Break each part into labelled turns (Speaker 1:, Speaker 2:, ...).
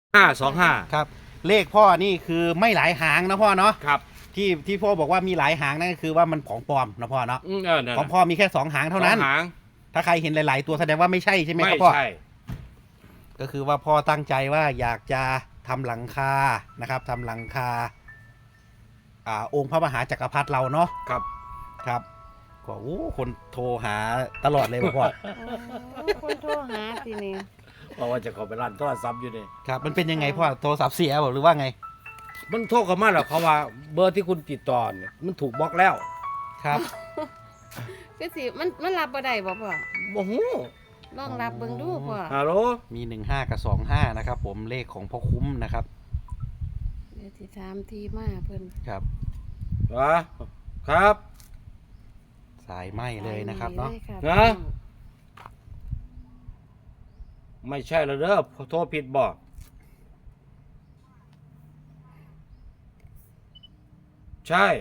Speaker 1: 525
Speaker 2: ครับเลขพ่อนี่คือไม่หลายหางนะพ่อเนาะ
Speaker 1: ครับ
Speaker 2: ที่พ่อบอกว่ามีหลายหางนั่นก็คือว่ามันของปลอมนะพ่อเนาะ
Speaker 1: นั่น
Speaker 2: ของพ่อมีแค่2 หางเท่านั้น
Speaker 1: 2 หาง
Speaker 2: ถ้าใครเห็นหลายๆตัวแสดงว่าไม่ใช่ใช่ไหมค
Speaker 1: ไม่
Speaker 2: รับพ่อ
Speaker 1: ใช่
Speaker 2: ก็คือว่าพ่อตั้งใจว่าอยากจะทำหลังคานะครับทำหลังคาองค์พระมหาจักรพรรดิเราเนาะ
Speaker 1: ครับ
Speaker 2: ครับก็คนโทรหาตลอดเลยพ่อ
Speaker 3: คนโทรหาสินี่
Speaker 1: เพราะว่าจะเข้าไปร้านโทรศัพท์อยู่นี่
Speaker 2: ครับมันเป็นยังไงพ่อโทรศัพท์เสียหรือว่าไง
Speaker 1: มันโทรเข้ามาแล้วเขาว่าเบอร์ที่คุณติดต่อเนี่ยมันถูกบล็อกแล้ว
Speaker 2: ครับ
Speaker 3: คือสิมันรับบ่ได้บ่พ่อ
Speaker 1: บ่ฮู้
Speaker 3: ลองรับเบิ่งดูพ่อ
Speaker 1: ฮัลโหล
Speaker 2: มี15 กับ 25นะครับผมเลขของพ่อคุ้มนะครับ
Speaker 3: เดี๋ยวสิถามที่มาเพิ่น
Speaker 2: ครับ
Speaker 1: ครับ
Speaker 2: สายไหมเลยนะครับเนาะ
Speaker 3: ลยค่
Speaker 1: นะ ไม่ใช่แล้วเด้อโทรผิดบ่ใช่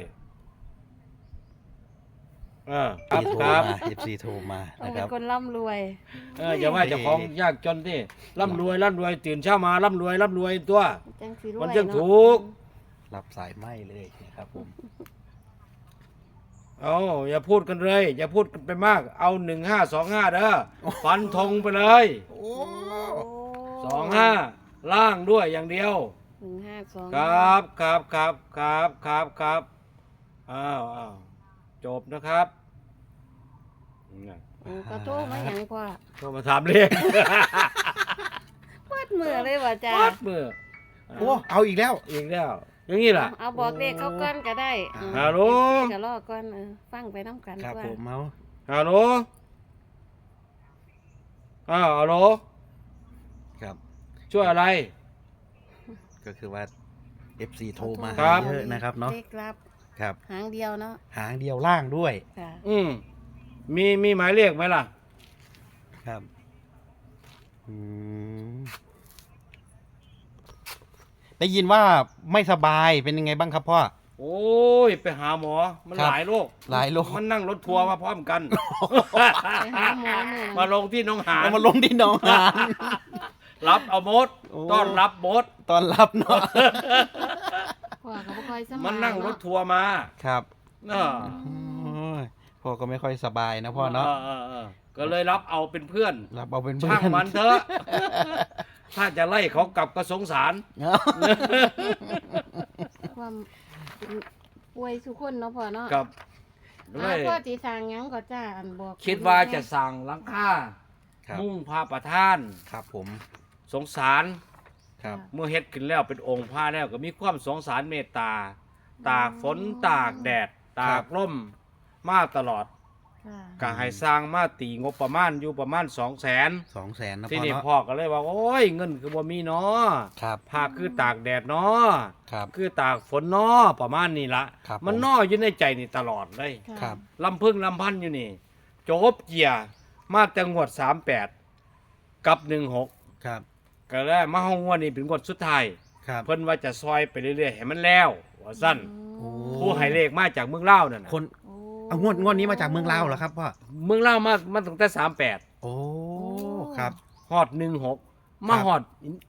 Speaker 1: ครับ
Speaker 2: โทร
Speaker 1: ครับ
Speaker 2: มา FC โทรมา
Speaker 3: ต้อง
Speaker 2: นะค
Speaker 3: เป็
Speaker 2: รั
Speaker 3: น
Speaker 2: บ
Speaker 3: คนร่ำรวย
Speaker 1: อย่าว่าเจ้าของยากจนที่ร่ำรวยตื่นเช้ามาร่ำรวยตัว
Speaker 3: จังสิรวย
Speaker 1: มันจัง
Speaker 3: เาะ
Speaker 1: ถูก
Speaker 2: รับสายไหมเลยนะครับผม
Speaker 1: เอาอย่าพูดกันเลย อย่าพูดกันไปมาก เอา1525เด้อฟันธงไปเลย
Speaker 2: โอ้
Speaker 3: โอ้
Speaker 1: 25ล่างด้วยอย่างเดียว
Speaker 3: 152
Speaker 1: ครับอ้าวจบนะครับ
Speaker 3: โอ้ก็โทรมาหยังพ่อ
Speaker 1: ก็มาถามเลข
Speaker 3: เปิดมือเลยว่าจ้า
Speaker 1: วัดมือ
Speaker 2: โอ้เอาอีกแล้ว
Speaker 1: อีกแล้วอย่างนี้ล่ะ
Speaker 3: เอาบอกเลขเขาก่อนก็ได้
Speaker 1: ฮัลโหล
Speaker 3: ก็รอก่อนฟังไปน้ำกัน
Speaker 2: ครับ
Speaker 3: ก่อน
Speaker 2: ผมเอา
Speaker 1: ฮัลโหลฮัลโหล
Speaker 2: ครับ
Speaker 1: ช่วยอะไร
Speaker 2: ก็คือว่า FC โทรมา
Speaker 1: ครับ
Speaker 2: เยอะนะครับเนาะ
Speaker 3: เลขลับ
Speaker 2: ครับ
Speaker 3: หางเดียวเนาะ
Speaker 2: หางเดียวล่างด้วย
Speaker 3: ค่ะ
Speaker 1: มีหมายเลขไหมล่ะ
Speaker 2: ครับอืมได้ยินว่าไม่สบายเป็นยังไงบ้างครับพ่อ
Speaker 1: โอ้ย ไปหาหมอ มัน
Speaker 2: ครับ
Speaker 1: หลายโรค
Speaker 2: หลายโรค
Speaker 1: มันนั่งรถทัวร์มาพร้อมกัน
Speaker 3: ไปหาหมอหนึ่ง
Speaker 1: มาลงที่หน้องหาน
Speaker 2: เอามาลงที่หน้องหาน
Speaker 1: รับเอามด
Speaker 2: โอ้
Speaker 1: ต้อนรับมด
Speaker 2: ตอนรับเนาะ
Speaker 3: พ่อก็บ่ค่อยสบาย
Speaker 1: มันนั่งรถ
Speaker 3: เาะ
Speaker 1: ทัวร์มา
Speaker 2: ครับ
Speaker 1: เออ
Speaker 2: โอ้ยพ่อก็ไม่ค่อยสบายนะพ่อเนาะ
Speaker 1: ก็เลยรับเอาเป็นเพื่อน
Speaker 2: รับเอาเป็นเพื่
Speaker 1: ช่าง
Speaker 2: อน
Speaker 1: มันเถอะ ถ้าจะไล่เขากลับก็สงสาร
Speaker 3: ความป่วยสุคนเนาะพ่อเนาะ
Speaker 1: กับเล
Speaker 3: พ่อย สิสร้างหยังก็จ้าอันบอก
Speaker 1: คิดว่าจะสั่งหลังคา
Speaker 2: ครับ
Speaker 1: มุ่งพาประทาน
Speaker 2: ครับผม
Speaker 1: สงสาร
Speaker 2: ครับ
Speaker 1: เมื่อเฮ็ดขึ้นแล้วเป็นองค์พระแล้วก็มีความสงสารเมตตา ตากฝนตากแดด ตากลมมาตลอด
Speaker 3: ค่ะ
Speaker 1: ก็ให้สร้างมาตีงบประมาณอยู่ประมาณ 200,000
Speaker 2: 200,000นะ
Speaker 1: ที่
Speaker 2: พ่อ
Speaker 1: นี่
Speaker 2: เนาะ
Speaker 1: พ่อก็เลยว่าโอ้ยเงินคือบ่มีเนาะ
Speaker 2: ครับ
Speaker 1: ผ้าคือตากแดดเนาะ
Speaker 2: ครับ
Speaker 1: คือตากฝนเนาะประมาณนี้ละ
Speaker 2: ครับ
Speaker 1: มัน
Speaker 2: ผม
Speaker 1: เนาะอยู่ในใจนี่ตลอดเลย
Speaker 3: ค่ะ
Speaker 2: ครับ
Speaker 1: ลำพึ่งลำพันอยู่นี่จบเกียร์มาแต่งวด38กับ16
Speaker 2: ครับ
Speaker 1: ก็แล้วมาห้องงวดนี้เป็นงวดสุดท้าย
Speaker 2: ครับ
Speaker 1: เพิ่นว่าจะซอยไปเรื่อยๆให้มันแล้วว่าสั้น
Speaker 2: โอ้
Speaker 1: ผู้ให้เลขมาจากเมืองลาวนั่นน่ะ
Speaker 2: คน
Speaker 3: โอ้
Speaker 2: เอางวดนี้มาจากเมืองลาวเหรอครับพ่อ
Speaker 1: เมืองลาวมาตั้งแต่38
Speaker 2: โอ้ครับ
Speaker 1: ฮอด16มา
Speaker 2: ครับ
Speaker 1: ฮอด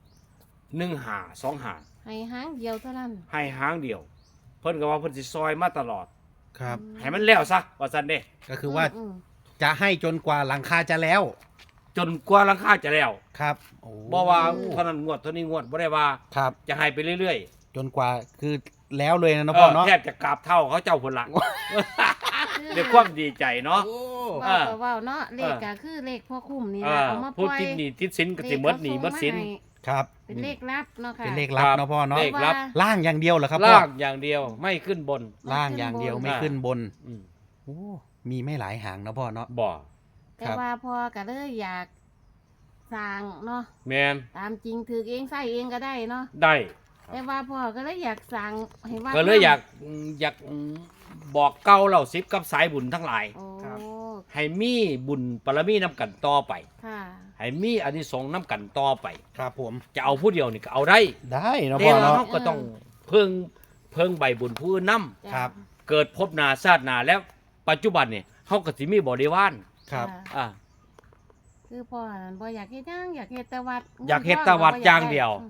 Speaker 1: 15 25
Speaker 3: ให้หางเดียวเท่านั้น
Speaker 1: ให้หางเดียว เพิ่นก็ว่าเพิ่นสิซอยมาตลอด
Speaker 2: ครับ
Speaker 1: ให้มันแล้วซะว่าซั่นเด้
Speaker 2: ก็คือว่า
Speaker 3: ม
Speaker 2: จะให้จนกว่าหลังคาจะแล้ว
Speaker 1: จนกว่าราคาจะแล้ว
Speaker 2: ครับโอ้
Speaker 1: บ่ว่าเท่านั้นงวดเท่านี้งวดบ่ได้ว่า
Speaker 2: ครับ
Speaker 1: จะให้ไปเรื่อย
Speaker 2: จนกว่าคือแล้วเลยนะ
Speaker 1: ๆ
Speaker 2: พ่อเนาะ
Speaker 1: แทบจะกราบเท่าเขาเจ้าพุ่นละด้วยความดีใจเนาะ
Speaker 2: โอ้
Speaker 3: เว้าก็เว้าเนาะเลขก็คือเลขพ่อคุ้มนี่ล่ะเอามาป
Speaker 1: ผู้
Speaker 3: ล่อย
Speaker 1: ติดหนี้ติดสินก็สิหมดหนี้หมดสิน
Speaker 3: เลขเขาส่งมาให้
Speaker 2: ครับ
Speaker 3: เป็นเลขลับเนาะค่ะ
Speaker 2: เป็นเลขลับเนาะพ่อเนาะ
Speaker 1: เลขลับ
Speaker 2: ล่างอย่างเดียวเหรอครับพ่อ
Speaker 1: ลากอย่างเดียวไม่ขึ้นบน
Speaker 2: ล่างอย่างเดียวไม่ขึ้นบน
Speaker 1: อืม
Speaker 2: โอ้มีไม่หลายหางนะพ่อเนาะ
Speaker 1: บ่
Speaker 3: แต่ว่าพ่อก็เลยอยากสร้างเนาะ
Speaker 1: แมน
Speaker 3: ตามจริงถือเองใส่เองก็ได้เนาะ
Speaker 1: ได้
Speaker 3: แต่ว่าพ่อก็เลยอยากสั่งให้ว่า
Speaker 1: ก็เลยอยากบอกเก้าเหล่าซิบกับสายบุญทั้งหลาย
Speaker 3: โอ้
Speaker 1: ให้มีบุญปรมีน้ำกันต่อไป
Speaker 3: ค่ะ
Speaker 1: ให้มีอานิสงส์น้ำกันต่อไป
Speaker 2: ครับผม
Speaker 1: จะเอาผู้เดียวนี่ก็เอาได้
Speaker 2: ได้เนาะ
Speaker 1: แต่
Speaker 2: พ่อ
Speaker 1: ว่า
Speaker 2: เนาะ
Speaker 1: เราก็ต้องเพิ่งใบบุญผู้อื่นนำ
Speaker 3: จ้ะ
Speaker 2: ครับ
Speaker 1: เกิดพบนาชาตินาแล้วปัจจุบันเนี่ยเขาก็สิมีบริวาร
Speaker 2: ครับ
Speaker 3: จ้ะ
Speaker 1: อ่า
Speaker 3: คือพ่อนั่นบ่อยากเฮ็ดหยังอยากเฮ็ดแต่วัด
Speaker 1: อยากเฮ็ดแต่วัดอย่างเดียว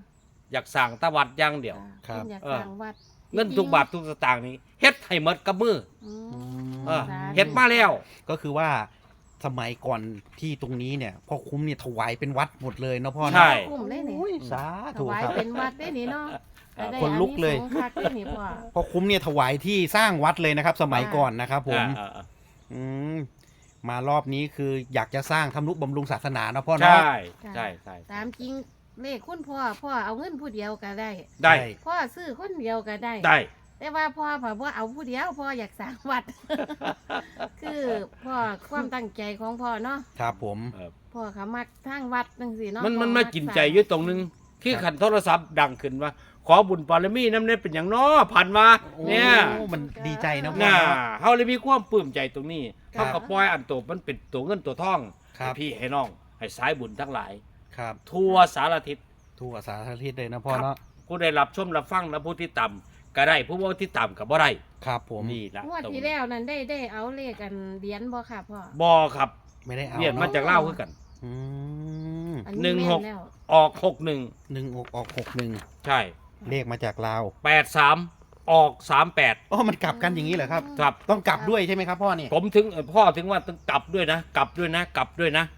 Speaker 1: อยากสั่งตะวัดอย่างเดียว
Speaker 2: ครับ
Speaker 3: เพิ่นอยากสร้างวัด
Speaker 1: เงินทุกบาททุกสตางค์นี้เฮ็ดให้หมดกับมือ
Speaker 3: อืม
Speaker 1: เออ
Speaker 3: สาธุ
Speaker 1: เฮ็ดมาแล้ว
Speaker 2: ก็คือว่าสมัยก่อนที่ตรงนี้เนี่ยพ่อคุ้มเนี่ยถวายเป็นวัดหมดเลยเนาะพ่อเนาะ
Speaker 1: ใช่
Speaker 3: คุ้มเลยนี่
Speaker 2: โอ้ยสา
Speaker 3: ถ
Speaker 2: ธุ
Speaker 3: วาย
Speaker 2: ครับ
Speaker 3: เป็นวัดได้นี่เนาะก็ได้
Speaker 2: คนลุกเลย
Speaker 3: อานิสงส์คักได้นี่พ่อ
Speaker 2: พ่อคุ้มเนี่ยถวายที่สร้างวัดเลยนะครับ สมัยก่อนนะครับผม
Speaker 1: อ่า
Speaker 2: อืมมารอบนี้คืออยากจะสร้างทำนุบำรุงศาสนาเนาะพ่อ
Speaker 1: ใช่
Speaker 2: เนาะ
Speaker 1: ใช่ใช่
Speaker 3: ตามจริงเลขคุณพ่อเอาเงินผู้เดียวก็ได้
Speaker 1: ได้
Speaker 3: พ่อซื้อคนเดียวก็ได้
Speaker 1: ได้
Speaker 3: แต่ว่าพ่อว่าเอาผู้เดียวพ่ออยากสร้างวัด คือพ่อความตั้งใจของพ่อเนาะ
Speaker 2: ครับผม
Speaker 3: พ่อเขามักทางวัดจังซี่เนาะ
Speaker 1: มัน
Speaker 3: พ่อ
Speaker 1: มากินใจอยู่ตรงนึงที่ขันโทรศัพท์ดังขึ้นว่า ขอบุญปารมีน้ำเนี่ยเป็นอย่างน้อผ่านมาเนี่ย
Speaker 2: โอ้มันดีใจนะพ่อ
Speaker 1: น่า
Speaker 2: เนาะ
Speaker 1: เฮาเลยมีความปลื้มใจตรงนี้
Speaker 2: ครั
Speaker 1: เท่า
Speaker 2: บ
Speaker 1: กับปล่อยอันโตมันเป็นตัวเงินตัวทอง
Speaker 2: ครับ
Speaker 1: ให้พี่ให้น้องให้สายบุญทั้งหลาย
Speaker 2: ครับ
Speaker 1: ทั่วสารทิศ
Speaker 2: ทั่วสารทิศเลยนะพ่อเนาะ
Speaker 1: ผู้ได้รับชมรับฟังและผู้ที่ต่ำก็ได้ผู้บ่ที่ต่ำก็บ่ได้
Speaker 2: ครับผม
Speaker 1: นี่ละ
Speaker 3: งวด
Speaker 1: ตรง
Speaker 3: ที่แล้วนั้นได้เอาเลขกันเหรียญบ่ค่ะพ่อ
Speaker 1: บ่ครับ
Speaker 2: ไม่ได้เอา
Speaker 1: เรียนมาจากลาวคือกัน
Speaker 2: อืม
Speaker 3: อั
Speaker 1: หนึ่งหก
Speaker 3: แม่แล้ว
Speaker 1: ออก61
Speaker 2: หนึ่งออก61
Speaker 1: ใช่
Speaker 2: เลขมาจากลาว
Speaker 1: 83ออก38
Speaker 2: อ๋อมันกลับกันอย่างนี้เหรอครับ
Speaker 1: ครับ
Speaker 2: ต้องกลับด้วยใช่ไหมครับพ่อเนี่ย
Speaker 1: ผมถึงพ่อถึงว่าต้องกลับด้วยนะ กลับด้วยนะ กลับด้วยนะ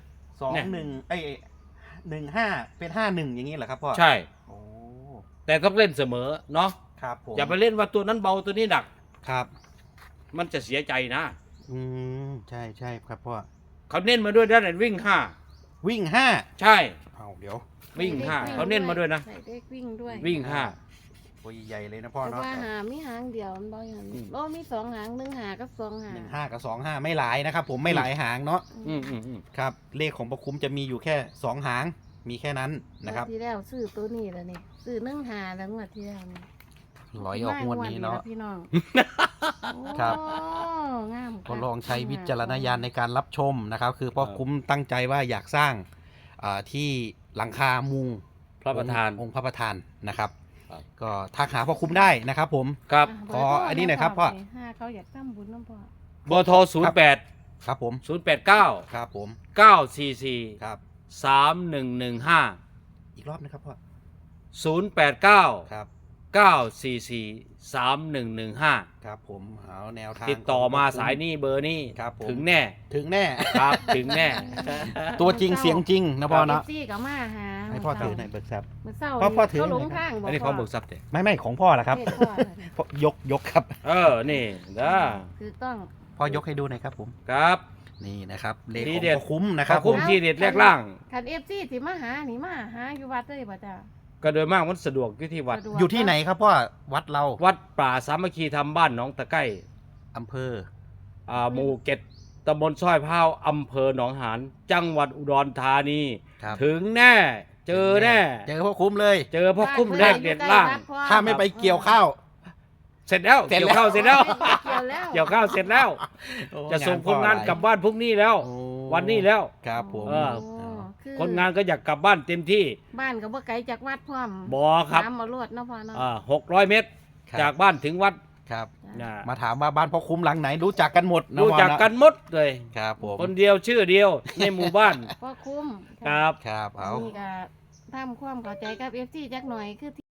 Speaker 2: 2115เป็น51อย่างนี้เหรอครับพ่อ
Speaker 1: ใช่
Speaker 2: โอ้
Speaker 1: แต่ต้องเล่นเสมอเนาะ
Speaker 2: ครับผม
Speaker 1: อย่าไปเล่นว่าตัวนั้นเบาตัวนี้หนัก
Speaker 2: ครับ
Speaker 1: มันจะเสียใจนะ
Speaker 2: อืมใช่ใช่ครับพ่อ
Speaker 1: เขาเน้นมาด้วยด้านวิ่ง
Speaker 2: วิ่ง
Speaker 1: 5 ใช่
Speaker 2: 5เอาเดี๋ยว
Speaker 1: วิ่ง 5เขาเน้นมาด้วยนะ
Speaker 3: ใส่เลขวิ่งด้วย
Speaker 1: วิ่ง
Speaker 2: ตัวใหญ่ๆเลยนะพ่อ
Speaker 3: แต่
Speaker 2: เนาะ
Speaker 3: ว่าหามีหางเดียวมันบ่อย่างนั้น
Speaker 1: อืม
Speaker 3: โอ้มีสองหาง1หางกับ2หาง
Speaker 2: 15กับ25ไม่หลายนะครับ ผมไม่หลายหางเนาะ
Speaker 1: 5อืม
Speaker 2: ครับ เลขของประคุ้มจะมีอยู่แค่2หางมีแค่นั้นนะครับ
Speaker 3: งวดที่แล้วซื้อตัวนี้แล้วนี่ซื้อ1หาแล้วงวดที่แล้วนี่
Speaker 2: ร้อยออกงวดนี้เนาะ
Speaker 3: พี่น้อง
Speaker 2: ครับ
Speaker 3: โอ้งาม
Speaker 2: ก็ลองใช้วิจารณญาณในการรับชมนะครับ คือพ่อคุ้มตั้งใจว่าอยากสร้างที่หลังคามุง
Speaker 1: พระประธาน
Speaker 2: องค์พระประธานนะครับ
Speaker 1: ครับ
Speaker 2: ก็ทักหาพ่อคุ้มได้นะครับ ผม
Speaker 1: ครับ
Speaker 2: ขออันนี้หน่อยครับพ่อ
Speaker 3: ห้าเขาอยากทำบุญน้ำพ่อ
Speaker 1: เบอร์โทร08
Speaker 2: ครับผม
Speaker 1: 089
Speaker 2: ครับผม
Speaker 1: 944
Speaker 2: ครับ
Speaker 1: 3115
Speaker 2: อีกรอบนะครับพ่อ
Speaker 1: 089
Speaker 2: ครับ
Speaker 1: 944 3115
Speaker 2: ครับผมเอาแนวทาง
Speaker 1: ติดต่อมา
Speaker 2: ของพ่คุ้
Speaker 1: สายนี้เบอร์นี้
Speaker 2: ครับผม
Speaker 1: ถึงแน่
Speaker 2: ถึงแน่
Speaker 1: ครับ ถึงแน่
Speaker 2: ตัวจริงเสียงจริงนะพ่อเนาะ
Speaker 3: ซี่กับมาหา
Speaker 2: ให้พ่อถือหน่อยเบิกทรัพย์
Speaker 3: เมื่อเศร้า
Speaker 2: พ่อถือ
Speaker 3: เขาหลง
Speaker 2: หน่อยครับ
Speaker 3: ทางบอก
Speaker 1: อันนี้ของเบิกทรัพย์เด้
Speaker 2: ไม่ของพ่อละครับ
Speaker 3: เลขพ่อน่ะ
Speaker 2: พ่อยกครับ
Speaker 1: นี่นะ
Speaker 3: คือต้อง
Speaker 2: พ่อยกให้ดูหน่อยครับผม
Speaker 1: ครับ
Speaker 2: นี่นะครับเลข
Speaker 1: ที
Speaker 2: ของ
Speaker 1: เด็ด
Speaker 2: พ่อคุ้มนะค
Speaker 1: ข
Speaker 2: รั
Speaker 1: อ
Speaker 2: บบ ผ
Speaker 1: คุ้
Speaker 2: ม
Speaker 1: มที่เด็ดแรกล่าง
Speaker 3: คันเอฟซีที่มาหานี่มาหาอยู่วัดเลยป่ะจ้า
Speaker 1: ก็โดยมากมันสะดวกอยู่ที่วัด
Speaker 3: สะดวก
Speaker 2: อยู่ที่ไหนครับพ่อวัดเรา
Speaker 1: วัดป่าสามัคคีธรรมบ้านหนองตะไก้
Speaker 2: อำเภอ
Speaker 1: หมู่เก็ดตำบลสร้อยพร้าวอำเภอหนองหานจังหวัดอุดรธานี
Speaker 2: ครับ
Speaker 1: ถึงแน่ เจอแน่
Speaker 2: เจอพ่อคุ้มเลย
Speaker 1: เจอพ่อคุ้มแรกเด็ดล่าง
Speaker 2: ถ้าไม่ไปเกี่ยวข้าว
Speaker 1: เสร็จแล้ว
Speaker 2: เสร็จ
Speaker 1: เกี่ยว
Speaker 2: แล้ว
Speaker 1: ข้าวเสร็จแล้ว
Speaker 3: เกี่ยวแล้ว
Speaker 1: เกี่ยวข้าวเสร็จแล้ว
Speaker 2: โอ้
Speaker 1: จะส่งคนงาน
Speaker 2: พ่อหลย
Speaker 1: กลับบ้านพรุ่งนี้แล้ว
Speaker 2: โอ้
Speaker 1: วันนี้แล้ว
Speaker 2: ครับผม
Speaker 1: เออ
Speaker 3: โอ้คือ
Speaker 1: คนงานก็อยากกลับบ้านเต็มที่
Speaker 3: บ้านก็บ่ไกลจากวัดพร้อม
Speaker 1: บอครับ
Speaker 3: น้ำมาลวดเนาะพ่อเนาะ
Speaker 1: 600 เมตร
Speaker 2: ครับ
Speaker 1: จากบ้านถึงวัด
Speaker 2: ครับ
Speaker 1: นะ
Speaker 2: มาถามว่าบ้านพ่อคุ้มหลังไหนรู้จักกันหมดนะ
Speaker 1: รู้
Speaker 2: พ่อ
Speaker 1: จัก
Speaker 2: เาะ
Speaker 1: กันหมดเลย
Speaker 2: ครับผม
Speaker 1: คนเดียวชื่อเดียวในหมู่บ้าน
Speaker 3: พ่อคุ้ม
Speaker 1: ครับ
Speaker 2: ครับเอา
Speaker 3: นี่ก็ทำความเข้าใจกับเอฟซีจักหน่อยคือ